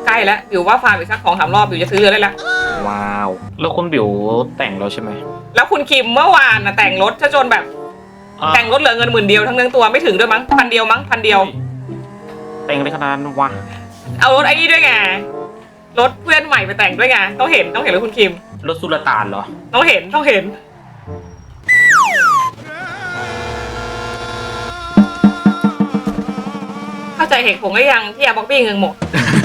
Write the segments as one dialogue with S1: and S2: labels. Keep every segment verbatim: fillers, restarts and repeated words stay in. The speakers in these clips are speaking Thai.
S1: ใกล้แล้วบิวว่าฟาร์มอีกสักสองสามรอบบิวจะซื้อเรือได้แล้ว
S2: ว้าวแล้วคุณบิวแต่งแล้วใช่ไหม
S1: แล้วคุณคิมเมื่อวานน่ะแต่งรถจนแบบแต่งรถเหลือเงินหมื่นเดียวทั้งเนื้อตัวไม่ถึงด้วยมั้งพันเดียวมั้งพันเดียว
S2: แต่งได้ขนาดนั้นวะ
S1: เอารถไอ้นี่ด้วยไงรถเพื่อนใหม่ไปแต่งด้วยไงต้องเห็นต้องเห็นรถคุณคิม
S2: รถสุลต่านเหรอ
S1: ต้องเห็นต้องเห็นเข้าใจเหตุผลหรือยังที่อาบ็อกบี้เงินหมด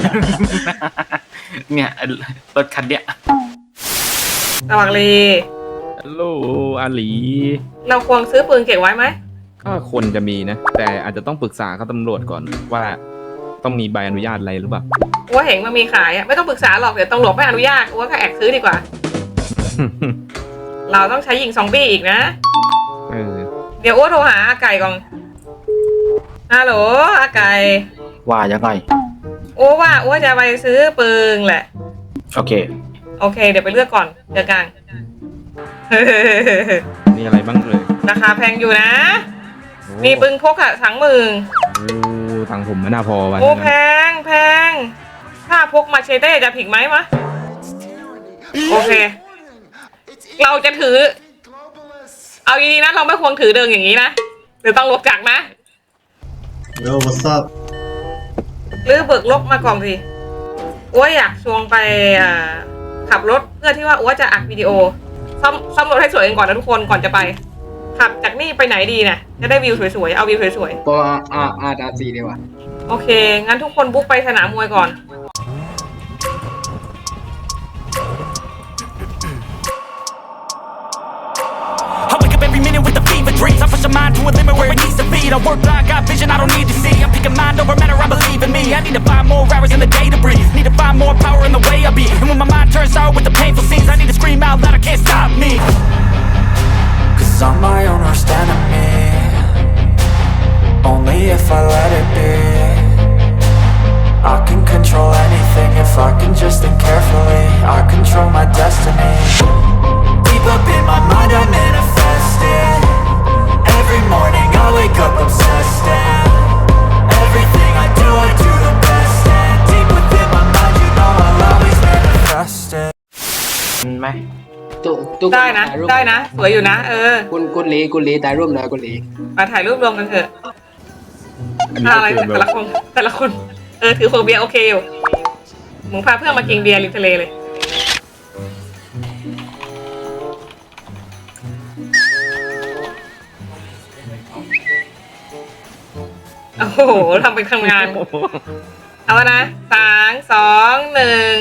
S2: เนี่ยรถคันเนี้ย
S1: สวัสดี
S3: ฮัลโหลอาหลี
S1: เราควรซื้อปืนเก็บไว้ไหม
S3: ก็ควรจะมีนะแต่อาจจะต้องปรึกษาเขาตำรวจก่อนว่าต้องมีใบอนุญาตอะไรหรือเปล่า
S1: ว่าเห็นมันมีขายอ่ะไม่ต้องปรึกษาหรอกเดี๋ยวตำรวจไม่อนุญาตว่าก็แอบซื้อดีกว่า เราต้องใช้ยิงซอมบี้อีกนะ
S3: เออ
S1: เดี๋ยวอ้วโทรหาอาไก่ก่อนฮัลโหลอาไก่
S2: ว่ายังไง
S1: อ้วว่าอ้วจะไปซื้อปืนแหละ
S2: โอเค
S1: โอเคเดี๋ยวไปเลือกก่อนเจอกัน
S3: มีอะไรบ้างเลย
S1: ราคาแพงอยู่นะมีปืนพกอะสังมือ
S3: โอ้ตังผมไม่น่าพอวัน
S1: โอ้แพงแพงถ้าพกมาเชเต้จะผิดไหมมะโอเคเราจะถือเอาดีๆนะเราไม่ควรถือเดินอย่างนี้นะหรือต้องลบจักนะ
S4: โย่ what's up
S1: หรือเบิกลบมาก่อนสิอ้วอยากชวนไปขับรถเพื่อที่ว่าอ้วจะอัดวิดีโอซ่อมซ่อมรถให้สวยกันก่อนนะทุกคนก่อนจะไปขับจากนี่ไปไหนดีนะจะได้วิวสวยๆเอาวิวสวย
S5: ๆก็อาอาดาซีดีกว่า
S1: โอเคงั้นทุกคนบุ๊กไปสนามมวยก่อน
S6: Dreams, I push a mind to a limit where it needs to be. I work blind, got vision I don't need to see. I'm picking mind over matter, I believe in me. I need to find more hours in the day to breathe. Need to find more power in the way I be. And when my mind turns sour with the painful scenes, I need to scream out loud, I can't stop me. Cause I'm my own worst enemy. Only if I let it be. I can control anything if I can just think carefully. I control my destiny. Deep up in my mind I manifest it.Every morning I wake up obsessed and everything I do I do the best and deep within my mind you know I'll always manifest it
S2: ไหม
S5: ตุ๊ก
S1: ได้นะได้นะสวยอยู่นะเออ
S5: คุณคุณลีคุณลีถ่ายรูปหน่อยคุณลี
S1: มาถ่ายรูปรวมกันเถอะอะไรแต่ละคนแต่ละคนเออถือโคเบียโอเคอยู่มึงพาเพื่อนมากินเบียร์ริมทะเลเลยโอ้โหทำเป็นทำงานเอาละนะสามสองหนึ่ง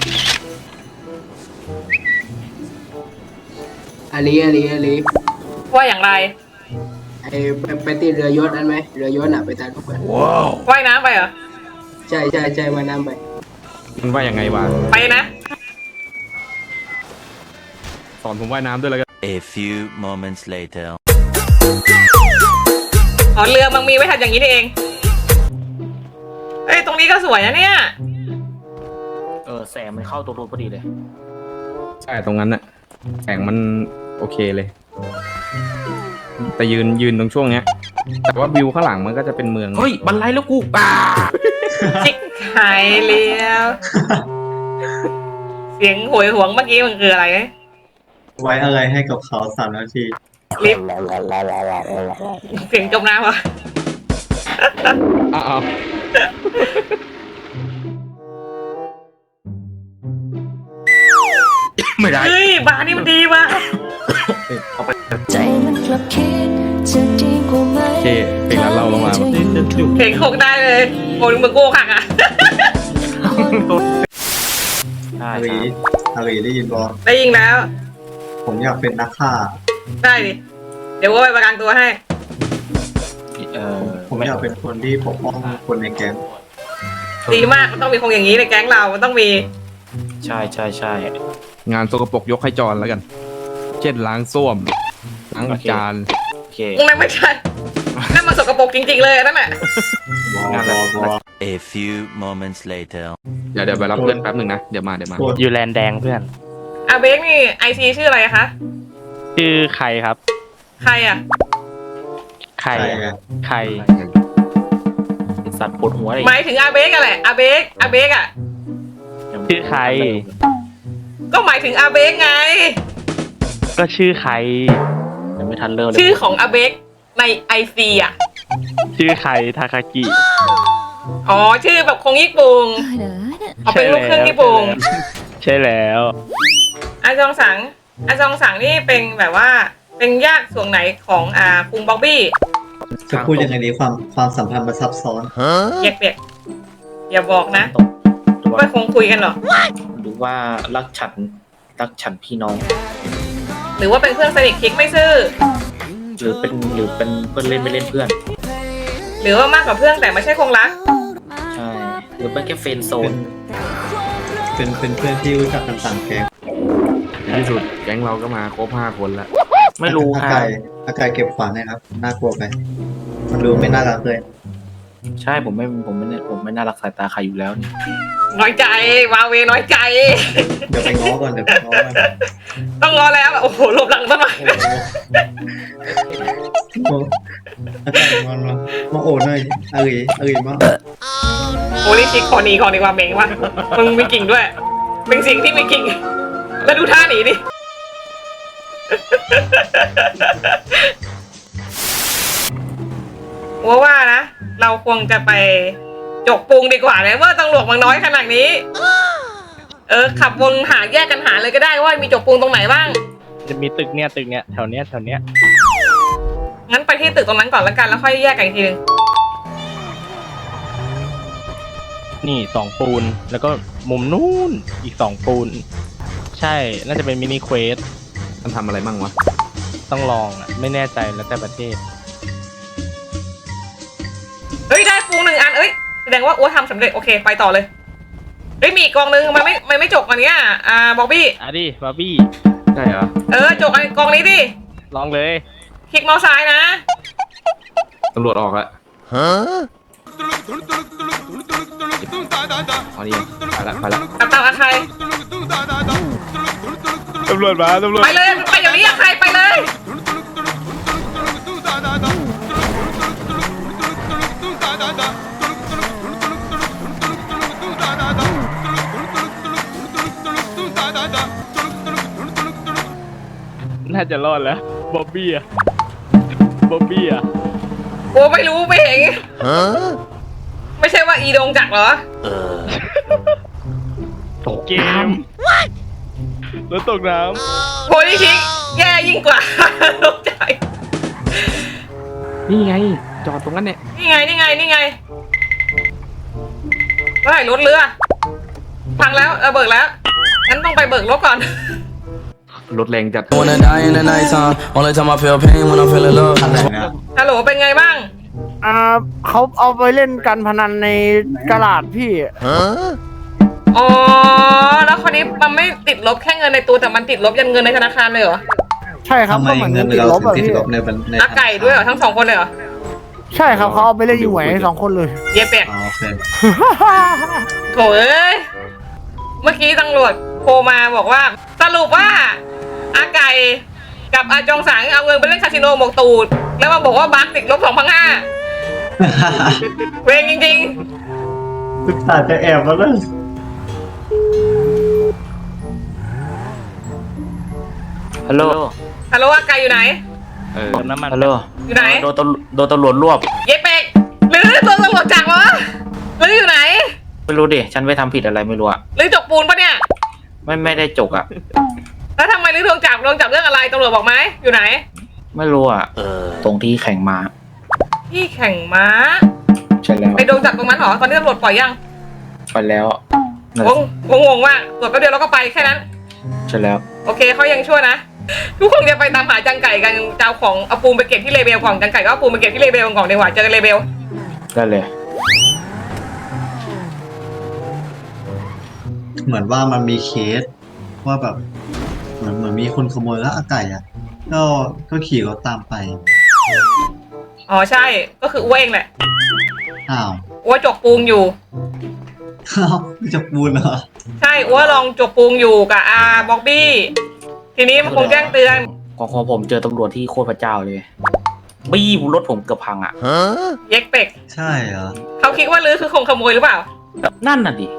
S5: อาลีอาลีอาลี
S1: ว่าอย่างไร
S5: ไอไปไปตีเรือยศนั่นไหมเรือยศน่ะไปตามทุกคน
S1: ว้าวว่ายน้ำไปเหรอ
S5: ใช่ใช่ใช่ว่ายน้ำไป
S3: มันว่ายยังไงวะ
S1: ไปนะ
S3: สอนผมว่ายน้ำด้วยแล้วกัน
S6: A few moments later
S1: อ๋อเรือมันมีไว้ทำอย่างนี้นี่เองเอ้ยตรงนี้ก็สวยนะเนี่ย
S2: เออแสงมันเข้าตัวรถพอดีเลย
S3: ใช่ตรงนั้นน่ะแสงมันโอเคเลยแต่ยืนยืนตรงช่วงเนี้ยแต่ว่าวิวข้างหลังมันก็จะเป็นเมือง
S2: เฮ้ยบันไลแล้วกูป่า
S1: จิกหายเลี้ยวเสียงหวยหวงเมื่อกี้มันคืออะไร
S4: ไว้อะไรให้กับเขาสามนาที
S1: ลิฟเสียงจมน้ำวะ
S3: อ้าว
S2: ไม่ได้
S1: เฮ้ยบ้านนี่มันดีว่ะ
S3: ใจมันกลับคิดจะดีกว่าไหมโอเคเพลงนั้นเราลงมา
S1: เพลงโคกได้เลยโอ้ยมึงโก้ขักอ่ะ
S4: อารีอารีได้ยินบอ
S1: ได้ยินแล้ว
S4: ผมอยากเป็นนักฆ่า
S1: ได้ดิเดี๋ยวว่าไปประกันตัวให้
S4: เออผมอยากเป็นคนที่ปกป้องคนในแก๊ง
S1: ดีมากมันต้องมีคนอย่างนี้ในแก๊งเรามันต้องมี
S2: ใช่ใช่ใช่
S3: งานสกปรกยกให้จอนแล้วกันเช่นล้างส้วมล้างจาน
S2: โอเค
S1: นั่นไม่ใช่นั่นมันสกปรกจริงๆเลยนั่นแหละ
S6: A few moments later
S3: เดี๋ยวเดี๋ยวไปรับเพื่อนแป๊บหนึ่งนะเดี๋ยวมาเดี๋ยวมา
S2: อยู่แลนด์แดงเพื่อน
S1: อาเบกนี่ไอซีชื่ออะไรคะ
S2: ชื่อใครครับ
S1: ใครอ่ะ
S2: ใครใครสัตว์ปวดหัวอะไร
S1: หมายถึงอาเบกอะแหละอาเบกอาเบกอะ
S7: ชื่อใคร
S1: ก็หมายถึงอาเบกไง
S7: ก็ชื่อใคร
S2: ยังไม่ทันเริ่มเลย
S1: ชื่อของอาเบกในไอซีอ่ะ
S7: ชื่อใครทาคากิ
S1: อ๋อชื่อแบบคงญี่ปุ่นเอาเป็นลูกครึ่งญี่ปุ่น
S7: ใช่แล้ว
S1: อาจองสังอาจองสังนี่เป็นแบบว่าเป็นญาติส่วนไหนของอ่าคุงบ๊อบบี้
S4: จะพูดยังไงดีความความสัมพันธ์มันซับซ้อน
S1: เปียกเปียกอย่าบอกนะ
S2: หรือว่า
S1: ไม่คงคุยกันหรอ
S2: หรือว่ารักฉันรักฉันพี่น้อง
S1: หรือว่าเป็นเพื่อนสนิทคิกไม่ซื่อ
S2: หรือเป็นหรือเป็นเพื่อนเล่นไม่เล่นเพื่อน
S1: หรือว่ามากกว่าเพื่อนแต่ไม่ใช่คงรัก
S2: ใช่หรือเป็นแค่เฟรนด์โซน
S4: เป็นเป็นเพื่อนที่รู้จักกันต่างแก๊ง
S3: ในที่สุดแก๊งเราก็มาครบห้าคนแล้ว
S2: ไม่รู้
S4: อา
S2: ค่ะ
S4: กายอากายเก็บขวานนะครับ น่ากลัวไป มันดูไม่น่ารักเลย
S2: ใช่ผมไม่ผมไม่ผมไม่น่ารักสายตาใครอยู่แล้วนี่
S1: น้อยใจวาเวน้อยใจ
S4: เดี๋ยวไปง้อก่อนเดี๋ยวไปง้อก่อน
S1: ต้องรอแล้วโอ้โหหลบหลังต้นไม้
S4: โอ้อากายงอนมามาโอ้หน่อยเอ้ยเอ้ยมา
S1: โอ้ลิชิกขอหนีขอดีกว่าเมงว่ะมึงมีกิ่งด้วยเป็นสิ่งที่มีกิ่งแล้วดูท่าหนีดิว่าว่านะเราควรจะไปจกปูงดีกว่าเลยว่าตำรวจมันน้อยขนาดนี้ เออขับวนหาแยกกันหาเลยก็ได้ว่ามีจกปูงตรงไหนบ้าง
S7: จะมีตึกเนี้ยตึกเนี้ยแถวเนี้ยแถวเนี้ย
S1: งั้นไปที่ตึกตรงนั้นก่อนแล้วกันแล้วค่อยแยกกันอีกทีนึง
S7: นี่สองปูนแล้วก็มุมนู้นอีกสองปูน ใช่น่าจะเป็นมินิเควส
S3: มันทำอะไรบ้างวะ
S7: ต้องลองอ่ะไม่แน่ใจแล้วแต่ประเทศ
S1: เฮ้ยได้ปูงหนึ่งอันเอ้ยแสดงว่าอ้วทำสำเร็จโอเคไปต่อเลยเฮ้ยมีอีกกองนึงมันไม่มันไม่จกอันเนี้ยอ่าบ๊อบบี้
S7: อ่ะดิบาร์บี้
S3: ใช่เหรอ
S1: เออจกอันกองนี้ดิ
S7: ลองเลย
S1: คลิกเมาส์ซ้ายนะ
S3: ตำรวจออกแล้วฮะอ๋อนี่ไปละไปละ
S1: ตับตับอะใคร
S7: ตำรวจมาตำรวจ
S1: ไปเลยไปเดี๋ยวนี้อะใครไปเลย
S7: น่าจะรอดแล้วบ๊อบบี้อะบ๊อบบี้อะ
S1: โอ้ไม่รู้ไม่เห็นไม่ใช่ว่าอีดงจักรเหรอ
S7: ตกเกมแล้วตกน้
S1: โพลิชิกแย่ยิ่งกว่า ตกใจ
S3: นี่ไง จอดตรงนั้นเนี่ย
S1: นี่ไงนี่ไงนี่ไงเฮ้ยรถเรือพังแล้วเออเบิกแล้วงั้นต้องไปเบิกรถก่อน
S3: รถแรงจัด
S8: Wanna die in the nighttime. Only time I feel pain when I'm feeling love.
S4: อะไรนะ
S1: ฮัลโหลเป็นไงบ้าง
S9: อ่าเขาเอาไปเล่นการพนันในกระดาษพี่
S1: อ๋อแล้วคนนี้มันไม่ติดลบแค่เงินในตัวแต่มันติดลบยันเงินในธนาคารเลยเหรอ
S9: ใช่ครับ
S4: ทำไม
S9: ก็เหมือน
S4: เงิ
S9: เงิ
S4: น
S9: นติด
S4: เรา
S9: ลบ
S4: ถึง
S9: อะ
S4: ติด
S9: พี่
S4: ลบในบัญใน
S1: อาไก่ด้วยเหรอทั้งสองคนเลยเหรอ
S9: ใช่ครับเขาเอาไปเล่นอยู่ไหนสองคนเลย
S1: เย่เป็ด
S4: อ๋อโอเค
S1: โถเอ้ยเมื่อกี้ตำรวจโทรมาบอกว่าสรุปว่าอาไก่กับอาจองสังเอาเงินไปเล่นคาสิโนหมกตูดแล้วมาบอกว่าบัคติดลบสองพันห้าเวงจริง
S4: ศึกษาจะแอบมาเลย
S2: ฮัลโหล
S1: ๆฮัลโหลอาไก่อยู่ไหน
S3: เออ
S7: ำเติมน้ำมัน
S2: ฮัลโหล
S1: อยู่ไหน
S2: โดนตำรวจโดนตำรวจรวบ
S1: เย่เป็ดหรือตัวตำรวจจักรวะหรืออยู่ไหน
S2: ไม่รู้ดิฉันไปทำผิดอะไรไม่รู้อะ
S1: หรือจกปูนปะเนี่ย
S2: ไม่ไม่ได้จกอะ
S1: แล้วทำไมหรือโดนจับโดนจับเรื่องอะไรตำรวจบอกไหมอยู่ไหน
S2: ไม่รู้อะตรงที่แข่งมา
S1: ที่แข่งม้า
S2: ใช่แล้ว
S1: ไปโดนจับตรงนั้นเหรอตอนนี้ตำรวจปล่อยยัง
S2: ไปแล้ว
S1: งงงงๆว่ากตรวจแป๊บเดียวแล้วก็ไปแค่นั้น
S2: ใช่แล้ว
S1: โอเคเขายังชั่วนะ ทุกคนจะไปตามหาจังไก่กันจะเอาของเอาปูนไปเก็บที่เลเบลก่อนจังไก่ก็เอาปูนไปเก็บที่เลเบลก่อนดีกว่าเจอกันเลเบล
S2: ได้เลย
S4: เหมือนว่ามันมีเคสว่าแบบเหมือนเหมือนมีคนขโมยแล้วอาไก่อ่ะ ก็ก็ขี่รถตามไป
S1: อ๋อใช่ก็คืออ้วเองแหละ
S4: อ้าว
S1: อ้วจกปูงอยู่
S4: อ้าวไม่จะปูนเหรอ
S1: ใช่อ้วลองจกปูงอยู่กับอาบ็อกบี้ทีนี้มันคงแจ้งเตือน
S2: ของของผมเจอตำรวจที่โคตรพระเจ้าเลยบี้รถผมเกือบพังอะ
S1: เย็กเป็ก
S4: ใช่เหรอ
S1: เขาคิดว่าลือคือคงขโมยหรือเปล่า
S2: นั่นน่ะดิ